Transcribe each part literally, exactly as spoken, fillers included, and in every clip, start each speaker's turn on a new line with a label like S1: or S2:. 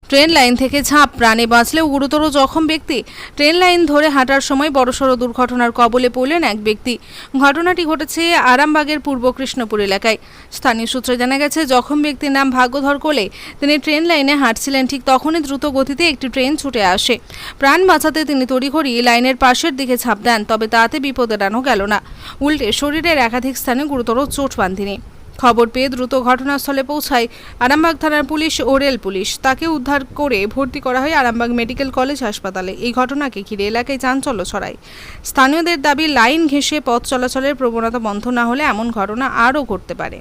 S1: Train line থেকে ঝাঁপ, প্রাণে বাঁচলেও গুরুতর জখম ব্যক্তি। ট্রেন লাইন ধরে হাঁটার সময় বড়সড় দুর্ঘটনার কবলে পড়লেন এক ব্যক্তি। ঘটনাটি ঘটেছে আরামবাগের পূর্ব কৃষ্ণপুর এলাকায়। স্থানীয় সূত্রে জানা গেছে, জখম ব্যক্তির নাম ভাগ্যধর কোলে। তিনি ট্রেন লাইনে হাঁটছিলেন, ঠিক তখনই দ্রুত গতিতে একটি ট্রেন ছুটে আসে। প্রাণ বাঁচাতে তিনি তড়িঘড়ি লাইনের পাশের দিকে ঝাঁপ দেন, তবে তাতে বিপদ এড়ানো গেল না, উল্টে শরীরের একাধিক স্থানে গুরুতর চোট পান তিনি। খবর পেয়ে দ্রুত ঘটনাস্থলে পৌঁছায় আরামবাগ থানার পুলিশ ও রেল পুলিশ। তাকে উদ্ধার করে ভর্তি করা হয় আরামবাগ মেডিকেল কলেজ হাসপাতালে। এই ঘটনাকে ঘিরে এলাকায় চাঞ্চল্য ছড়ায়। স্থানীয়দের দাবি, লাইন ঘেঁষে পথ চলাচলের প্রবণতা বন্ধ না হলে এমন ঘটনা আরও ঘটতে পারে।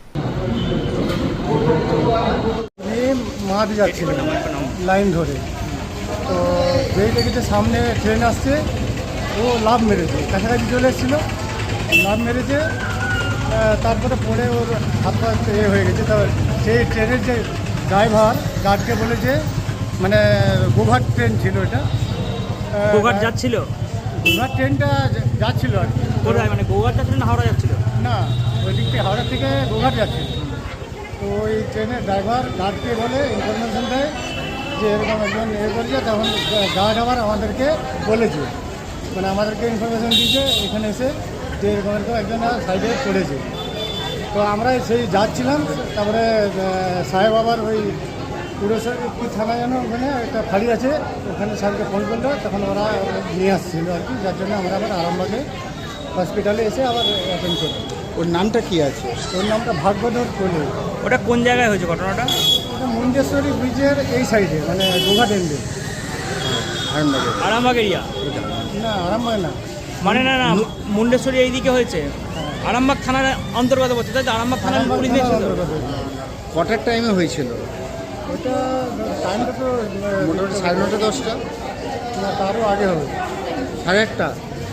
S2: মাঠ যাচ্ছিলেন লাইন ধরে, তো যেই দেখেছে সামনে ট্রেন আসছে, ও লাভ মেরেছে, কাছাকাছি চলে এসেছিলো, লাভ মেরেছে। তারপরে পরে ওর হাত পা এ হয়ে গেছে। তো সেই ট্রেনের যে ড্রাইভার গার্ডকে বলেছে, মানে গোঘাট ট্রেন ছিল এটা,
S3: গোঘাট যাচ্ছিল,
S2: গোঘাট ট্রেনটা যাচ্ছিল আর কি।
S3: কোথায় মানে গোঘাট যাচ্ছিল না হাওড়া যাচ্ছিল?
S2: না, ওই দিক থেকে হাওড়া থেকে গোঘাট যাচ্ছিল। তো ওই ট্রেনের ড্রাইভার গার্ডকে বলে, ইনফরমেশন দেয় যে এরকম একজন এ করছে। তখন গার্ড আবার আমাদেরকে বলেছে, মানে আমাদেরকে ইনফরমেশন দিয়েছে এখানে এসে, যে এরকম এরকম একজন সাইডে পড়েছে। তো আমরা সেই যাচ্ছিলাম, তারপরে সাহেব আবার ওই পুরসভা কি থানা যেন, ওখানে একটা ফাঁড়ি আছে, ওখানে স্যারকে ফোন করলো, তখন ওরা নিয়ে আসছিল আর কি। যার জন্য আমরা আবার আরামবাগে হসপিটালে এসে আবার অ্যাটেন্ড করি।
S4: ওর নামটা কি আছে?
S2: ওর নামটা ভাগ্যধর কোলে।
S3: ওটা কোন জায়গায় হয়েছে ঘটনাটা?
S2: ওটা মুন্ডেশ্বরী ব্রিজের এই সাইডে, মানে গোঘাট এন্ডে।
S4: আরামবাগে?
S3: আরামবাগ এরিয়া
S2: না, আরামবাগ না,
S3: মানে না না মুন্ডেশ্বরী এইদিকে হয়েছে, আরামবাগ থানার অন্তর্গত পড়ছে, তাই তো? আরামবাগ থানার পুলিশ নিয়েছিল।
S4: কটার টাইমে হয়েছিল?
S2: ওটা টাইমটা তো
S4: মোটামুটি সাড়ে নটা দশটা
S2: না, তারও আগে হবে,
S4: সাড়ে আটটা।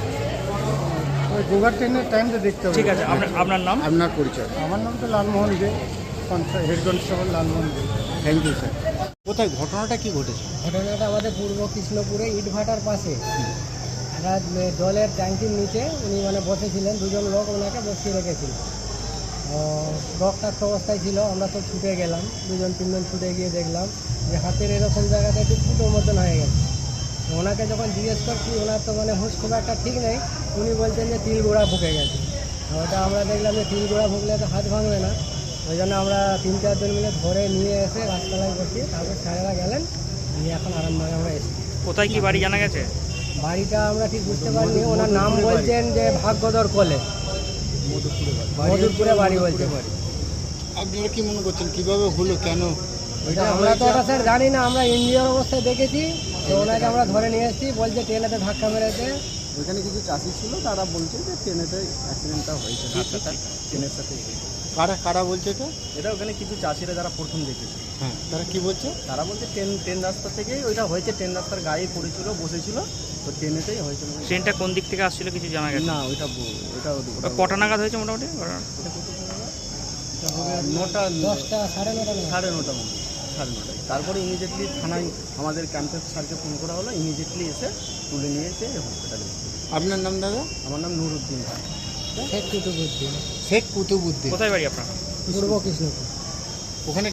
S2: ওই গোঘাট ট্রেনের টাইমটা দেখতে হবে।
S3: ঠিক আছে, আপনার আপনার নাম?
S4: আপনার পরিচয়?
S2: আমার নাম তো Lalmohan Dey, head constable Lalmohan Dey.
S4: Thank you sir. কোথায় ঘটনাটা কি ঘটেছে?
S5: ঘটনাটা আমাদের পূর্ব কৃষ্ণপুরে ইটভাটার পাশে একটা জলের ট্যাঙ্কির নিচে উনি মানে বসেছিলেন, দুজন লোক ওনাকে বসিয়ে রেখেছিল। রক্তাক্ত অবস্থায় ছিল, আমরা তো ছুটে গেলাম, দুজন তিনজন ছুটে গিয়ে দেখলাম যে হাতের এরকম জায়গাটা একটু ফুটোর মতন হয়ে গেছে। ওনাকে যখন জিজ্ঞেস করছি, ওনার তো মানে হুঁশ খুব একটা ঠিক নেই, উনি বলছেন যে তিল গোড়া ফুকে গেছে। ওটা আমরা দেখলাম যে তিল গোড়া ফুকলে তো হাত ভাঙবে না, ওই জন্য আমরা তিন চারজন মিলে ধরে নিয়ে এসে গাছতলায় বসিয়ে তারপর স্যারেরা গেলেন, নিয়ে এখন আরামবাগে আমরা এসেছি।
S3: কোথায় কি বাড়ি জানা গেছে?
S5: বাড়িটা আমরা ঠিক বুঝতে পারিনি, ওনার নাম বলছেন যে ভাগ্যধর কোলে, মধুরপুরে বাড়ি বলছে।
S4: আপনারা কি মনে করছেন কিভাবে হলো, কেন?
S5: ওইটা আমরা তো ওটা স্যার জানি না, আমরা ইঞ্জিনিয়ার অবস্থায় দেখেছি, তো ওনাকে আমরা ধরে নিয়ে এসেছি, বলছে ট্রেনেতে ধাক্কা মেরেছে।
S4: ওইখানে কিছু চাষি ছিল, তারা বলছে যে ট্রেনেতে অ্যাক্সিডেন্টটা হয়েছে, ধাক্কাটা ট্রেনের সাথে। কারা কারা বলছে এটা?
S6: এটা ওখানে কিছু চাষিরা যারা প্রথম দেখেছে,
S4: হ্যাঁ, তারা কি বলছে?
S6: তারা বলছে ট্রেন ট্রেন রাস্তা থেকেই ওইটা হয়েছে, ট্রেন রাস্তার গায়ে পড়েছিল, বসেছিল, তো ট্রেনেতেই হয়েছিল।
S3: ট্রেনটা কোন দিক থেকে আসছিল কিছু জানা গেছে?
S6: না, ওইটা ব- ওইটা
S3: ওটা কটা নাগাদ হয়েছে মোটামুটি?
S6: নটা
S5: দশটা সাড়ে নটা নাগাদ।
S6: সাড়ে নটা মতো, সাড়ে নটায়। তারপরে ইমিডিয়েটলি থানায় আমাদের ক্যাম্পের স্যারকে ফোন করা হলো, ইমিডিয়েটলি এসে তুলে নিয়ে এসে হসপিটালে।
S4: আপনার নাম দাদা?
S6: আমার নাম নুরুদ্দিন খান।
S5: শেখ কুতুবুদ্দিন,
S4: শেখ কুতুবুদ্দিন।
S3: কোথায় বাড়ি আপনার?
S5: পূর্ব কৃষ্ণপুর।
S4: ওখানে